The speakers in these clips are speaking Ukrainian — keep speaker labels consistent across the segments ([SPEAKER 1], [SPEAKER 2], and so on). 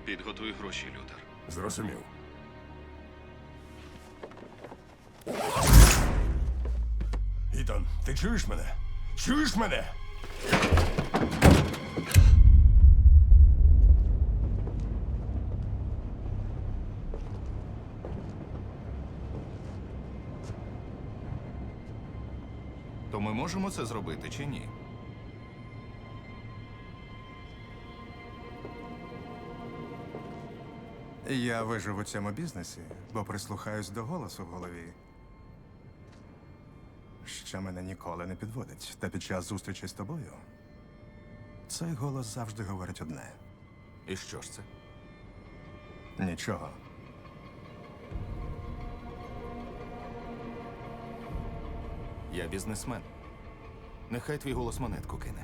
[SPEAKER 1] Підготуй гроші, Лютер.
[SPEAKER 2] Зрозумів. Ітан, ти чуєш мене? Чуєш мене?
[SPEAKER 1] То ми можемо це зробити чи ні?
[SPEAKER 3] Я вижив у цьому бізнесі, бо прислухаюсь до голосу в голові, що мене ніколи не підводить. Та під час зустрічі з тобою цей голос завжди говорить одне.
[SPEAKER 1] І що ж це?
[SPEAKER 3] Нічого.
[SPEAKER 1] Я бізнесмен. Нехай твій голос монетку кине.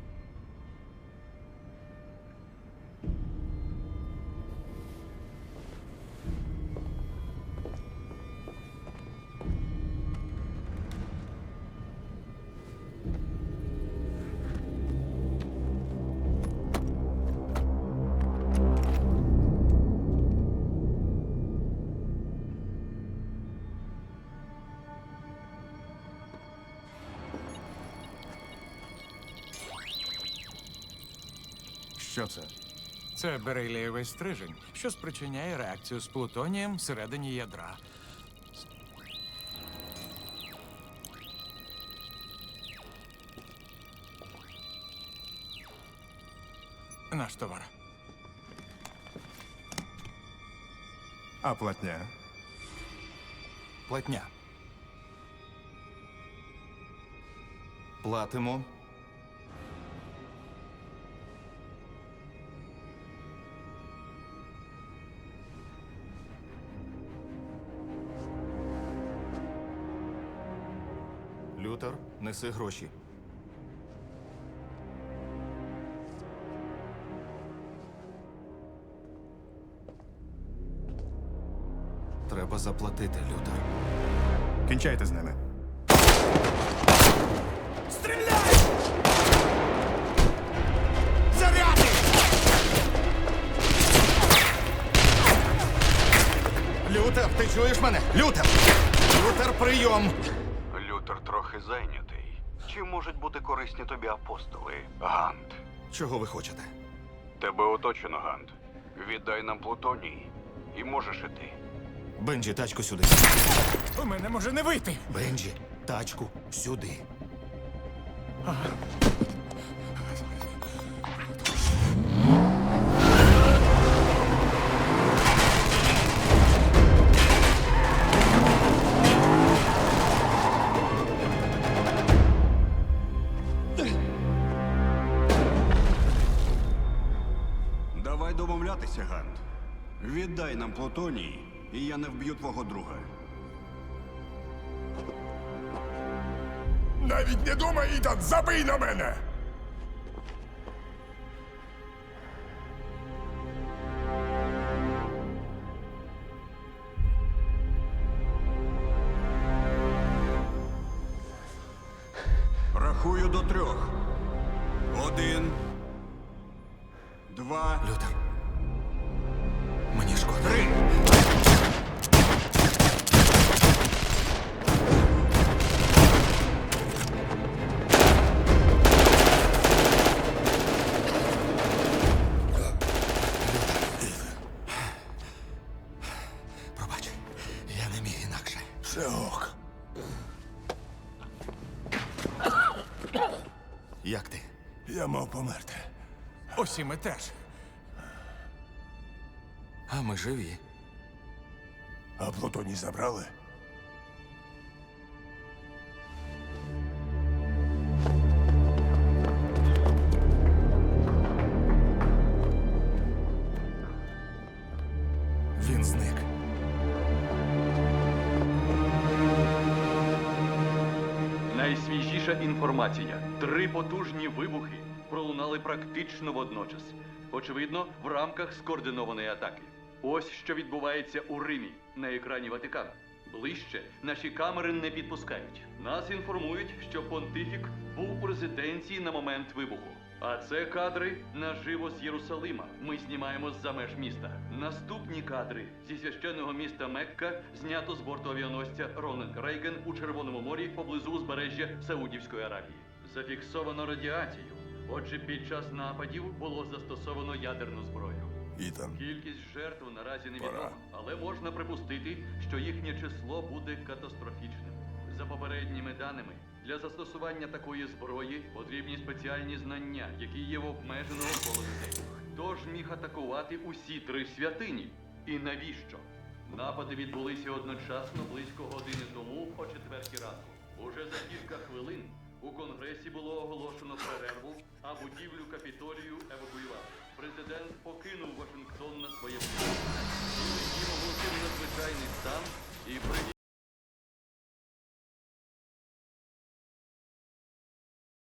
[SPEAKER 3] Що це?
[SPEAKER 4] Це берилієвий стрижень, що спричиняє реакцію з плутонієм всередині ядра. Наш товар.
[SPEAKER 3] А платня?
[SPEAKER 1] Платня. Платимо. Лютер, неси гроші. Треба заплатити, Лютер.
[SPEAKER 3] Кінчайте з ними.
[SPEAKER 2] Стріляй! Заряди!
[SPEAKER 1] Лютер, ти чуєш мене? Лютер! Лютер, прийом!
[SPEAKER 5] Лютер трохи зайнятий. Чи можуть бути корисні тобі апостоли, Гант?
[SPEAKER 1] Чого ви хочете?
[SPEAKER 5] Тебе оточено, Гант. Віддай нам Плутоній, і можеш іти.
[SPEAKER 1] Бенджі, тачку сюди.
[SPEAKER 4] У мене може не вийти.
[SPEAKER 1] Бенджі, тачку сюди.
[SPEAKER 5] Давай домовлятися, Гант. Віддай нам Плутоній, і я не вб'ю твого друга.
[SPEAKER 2] Навіть не думай, Ітан, забий на мене!
[SPEAKER 5] Рахую до 3. 1, 2,
[SPEAKER 1] Лютер. Мені шкода.
[SPEAKER 5] 3.
[SPEAKER 1] Пробач, я не міг інакше.
[SPEAKER 2] Все ок.
[SPEAKER 1] Як ти?
[SPEAKER 2] Я мав померти.
[SPEAKER 4] Усі ми теж.
[SPEAKER 1] А ми живі.
[SPEAKER 2] А Плутоній забрали?
[SPEAKER 1] Він зник.
[SPEAKER 6] Найсвіжіша інформація. 3 потужні вибухи пролунали практично водночас. Очевидно, в рамках скоординованої атаки. Ось що відбувається у Римі на екрані Ватикану. Ближче наші камери не підпускають. Нас інформують, що понтифік був у резиденції на момент вибуху. А це кадри наживо з Єрусалима. Ми знімаємо з-за меж міста. Наступні кадри зі священного міста Мекка знято з борту авіаносця Рональд Рейган у Червоному морі поблизу узбережжя Саудівської Аравії. Зафіксовано радіацію. Отже, під час нападів було застосовано ядерну зброю.
[SPEAKER 2] Ітан,
[SPEAKER 6] Кількість жертв наразі
[SPEAKER 2] Пора.
[SPEAKER 6] невідома, але можна припустити, що їхнє число буде катастрофічним. За попередніми даними, для застосування такої зброї потрібні спеціальні знання, які є в обмеженого кола людей. Хто ж міг атакувати усі 3 святині? І навіщо? Напади відбулися одночасно близько години тому о 4 ранку. Уже за кілька хвилин у Конгресі було оголошено перерву, а будівлю Капітолію евакуювали. Президент покинув Вашингтон на своє місце. Він оголосив надзвичайний стан і привів